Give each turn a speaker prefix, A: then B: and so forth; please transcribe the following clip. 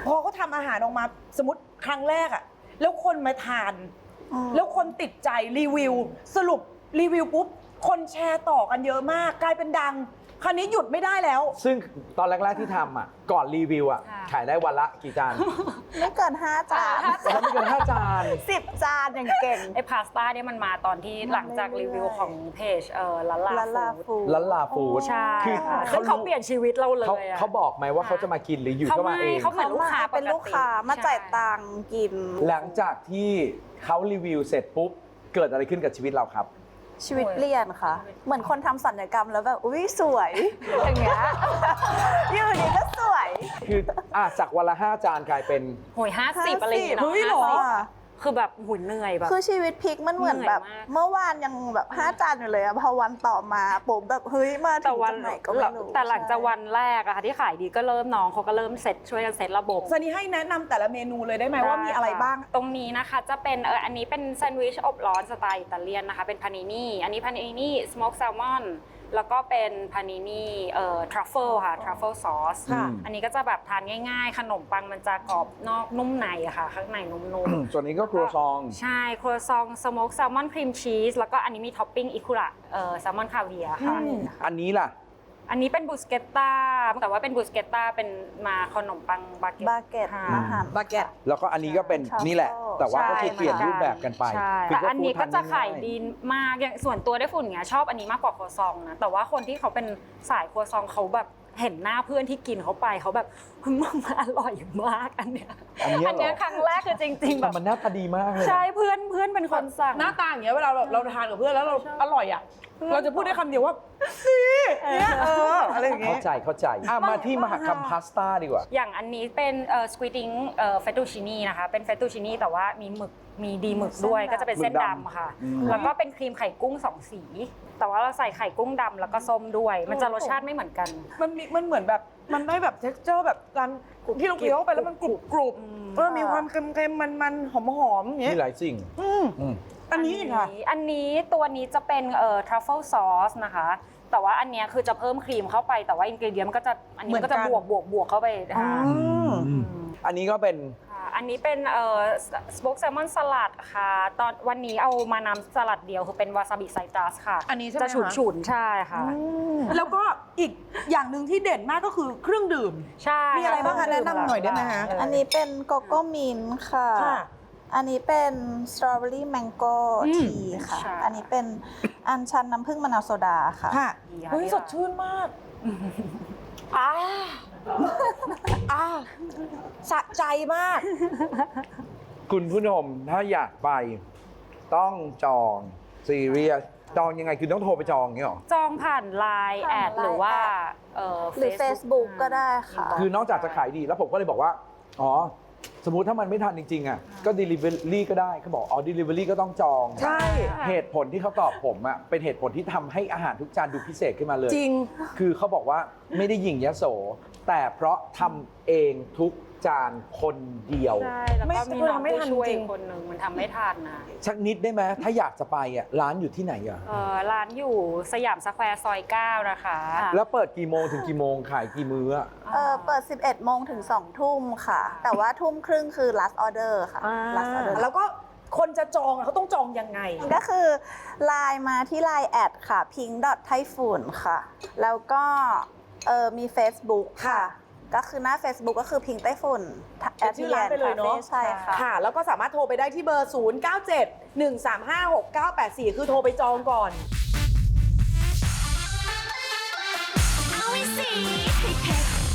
A: พอเขาทำอาหารออกมาสมมติครั้งแรกอะแล้วคนมาทานแล้วคนติดใจรีวิวสรุปรีวิวปุ๊บคนแชร์ต่อกันเยอะมากกลายเป็นดังคราวนี้หยุดไม่ได้แล้ว
B: ซึ่งตอนแรกๆที่ทำอ่ะก่อนรีวิวอ่ะขายได้วันละกี่จาน
C: ไม่เกิน5 จาน
B: แล้วไม่เกิน5 จาน
C: 10 จานอย่างเก่ง
D: ไอ้พาสต้าเนี่ยมันมาตอนที่หลังจากรีวิวของเพจ
C: ลา
D: ลา
C: ลา
D: ฟูด
C: ฟู
B: ลันลาฟูด
D: ใช่
B: คือ
D: ซึ่งเขาเปลี่ยนชีวิตเราเลยอะ
B: เขาบอกไหมว่าเขาจะมากินหรืออยู่ก็มาเอง
D: เขาเหมือนลูกค้าปกติ
C: เป็นลูกค้ามาจ่ายตังค์กิน
B: หลังจากที่เขารีวิวเสร็จปุ๊บเกิดอะไรขึ้นกับชีวิตเราครับ
C: ชีวิตเปลี่ยนค่ะ เหมือนคนทำศัลยกรรมแล้วแบบอุ้ยสวย อย่างเงี้ยอยู่ดีก็สวย
B: คือจากวันละ5 จานกลายเป็น
D: โหย50อะไรอย่างเงี้ย
A: เฮ้ยเหรอ
D: 50คือแบบหุ่นเหนื่อยแบบ
C: คือชีวิตพลิกมันเหมือนแบบ
D: เหนื่อยมาก
C: เมื่อวานยังแบบ5 จานอยู่เลยอะพอวันต่อมาปุ๊บแบบเฮ้ยมาถึ
D: แต่
C: ง
D: วัน
C: จุดไหนก็ไม่รู้
D: แต่หลังจากวันแรกอะค่ะที่ขายดีก็เริ่มน้องเขาก็เริ่มเซตช่วยกันเซตระบบ
A: ซันนี่ให้แนะนำแต่ละเมนูเลยได้ไหมว่ามีอะไรบ้าง
D: ตรงนี้นะคะจะเป็นอันนี้เป็นแซนด์วิชอบร้อนสไตล์อิตาเลียนนะคะเป็นพานินี่อันนี้พานินี่สโมกแซลมอนแล้วก็เป็นพานินี่ทรัฟเฟิลค่ะทรัฟเฟิลซอส
A: ค่ะ
D: อันนี้ก็จะแบบทานง่ายๆ ขนมปังมันจะกรอบนอกนุ่มในอะค่ะข้างในนุ่มๆ
B: ส่วนนี้ก็ครัวซอง
D: ใช่ครัวซองสโมกแซลมอนครีมชีสแล้วก็อันนี้มีท็อปปิ้งอิคุระแซลมอนคาเวียร์ค่ะ
B: อันนี้ล่ะ
D: อันนี้เป็นบูสเกตต้าแต่ว่าเป็นบูสเกตต้าเป็นมาขนมปังบาเกต
C: บาเกต
D: ค่ะ
C: มาหั่น
A: บาเกต
B: แล้วก็อันนี้ก็เป็น
C: ใช่
B: นี่แหละ แต่ว่าก็คือ
D: ใช่
B: เปลี่ยนรูปแบบกันไป
D: ใช่
B: คื
D: แต่อันนี้ก็จะ
B: ฟู้ดท
D: ขาย
B: ง่
D: ดีมากอย่างส่วนตัวได้ฝุ่นเงี้ยชอบอันนี้มากกว่าครัวซองนะแต่ว่าคนที่เขาเป็นสายครัวซองเขาแบบเห็นหน้าเพื่อนที่กินเขาไปเขาแบบมันอร่อยมากอันเนี้ย
B: อันเนี้ยเหรออั
D: อันเนี้ยครั้งแรกคือจริงๆแบ
B: แต่
D: บ
B: มันหน้าตาดีมากเลยนะ
D: ใช่เพื่อนเป็นคนสั่ง
A: หน้าตาอย่างเงี้ยเวลาเราทานกับเพื่อนแล้วเราอร่อยอ่ะเราจะพูดได้คำเดียวว่าดีเนี่ยอะไรอย่างเงี้
B: เข้าย ใจมาที่มหกรรมพาสต้าดีกว่า
D: อย่างอันนี้เป็นสควิดดิ้งเฟตตูชินีนะคะเป็นเฟตตูชินีแต่ว่ามีหมึกมีดีหมึกด้วยก็จะเป็นเส้น
B: หมึกดำ
D: ดำค่ะ แล้วก็เป็นครีมไข่กุ้ง2 สี แต่ว่าเราใส่ไข่กุ้งดำแล้วก็ส้มด้วย มันจะรสชาติไม่เหมือนกัน
A: มันเหมือนแบบมันได้แบบ texture แบบการที่เราเคี้ยวเข้าไปแล้วมันกรุบมีความเค็มๆมันๆหอมๆอย่างเงี้
B: มี
A: ย
B: หลายสิ่ง อืม
A: อันนี้อีกค่ะ
D: อันนี้ตัวนี้จะเป็นทรัฟเฟิลซอสนะคะ แต่ว่าอันเนี้ยคือจะเพิ่มครีมเข้าไปแต่ว่าอินกรีเดียนมันก็จะอันนี้ก็จะ
A: เหมือนกัน
D: บวกเข้าไปค่ะ
B: อันนี้ก็เป็น
D: ค่ะอันนี้เป็นสโมกแซลมอนสลัดค่ะตอนวันนี้เอามานำสลัดเดียวคือเป็นวาซาบิไซตรัสค่ะ
A: อันนี้ใช่ไหม
D: จะ
A: คะ
D: ฉุนๆใช่ค่ะ
A: แล้วก็อีกอย่างหนึ่งที่เด่นมากก็คือเครื่องดื่ม
D: ใช่
A: มีอะไรบ้างคะแนะนำหน่อยได้ไหมคะ
C: อันนี้เป็นโกโก้มินท์ค่ะ
A: ค่ะ
C: อันนี้เป็นสตรอเบอรี่แมงโก้ทีค่ะ อันนี้เป็นอัญชันน้ำผึ้งมะนาวโซดาค่ะ
A: ค่ะเฮ้ยสดชื่นมากสะใจมาก
B: คุณผู้ชมถ้าอยากไปต้องจองซีเรียสจองยังไงคือต้องโทรไปจองอย่างนี้หรอ
D: จองผ่านไลน์แอดหรือว่า
C: หรือ Facebook ก็ได้ค่ะ
B: คือนอกจากจะขายดีแล้วผมก็เลยบอกว่าอ๋อสมมุติถ้ามันไม่ทันจริงๆอ่ะก็ delivery ก็ได้เขาบอกอ๋อ delivery ก็ต้องจอง
A: ใช่
B: เหตุผลที่เขาตอบผมอ่ะเป็นเหตุผลที่ทำให้อาหารทุกจานดูพิเศษขึ้นมาเลย
A: จริง
B: คือเขาบอกว่าไม่ได้หยิ่งยโส แต่เพราะทำเองทุกจานคนเดียว
D: ใช่แล้ว
A: ไม่
D: ก็มีน้อง
A: ไม่
D: ผู้
A: ทัน
D: ช่วย
A: จริง
D: คนหนึ่งมันทำไม่ทันนะ
B: สักนิดได้ไหมถ้าอยากจะไปอ่ะร้านอยู่ที่ไหนอ่ะ
D: ร้านอยู่สยามสแควร์ซอย 9 นะคะ
B: แล้วเปิดกี่โมงถึงกี่โมงขายกี่มื้ออะ
C: เปิด 11 โมงถึง 2 ทุ่มค่ะ แต่ว่าทุ่มครึ่งคือ last order ค่ะ last order
A: แล้วก็คนจะจองอะเขาต้องจองยังไง
C: ก็คือไลน์มาที่ไลน์แอดค่ะ pink.typhoon ค่ะ แล้วก็มี Facebook ค่ะ ก็คือหน้า Facebook ก็คือ pink ไต้ฝุ่น
A: เป็นชื่อร้านไปเลยเนอะ
C: ใช่ค่ะ
A: ค่ะ แล้วก็สามารถโทรไปได้ที่เบอร์ 0971356984 คือโทรไปจองก่อน
E: เอาไว้สิให้เผ็ด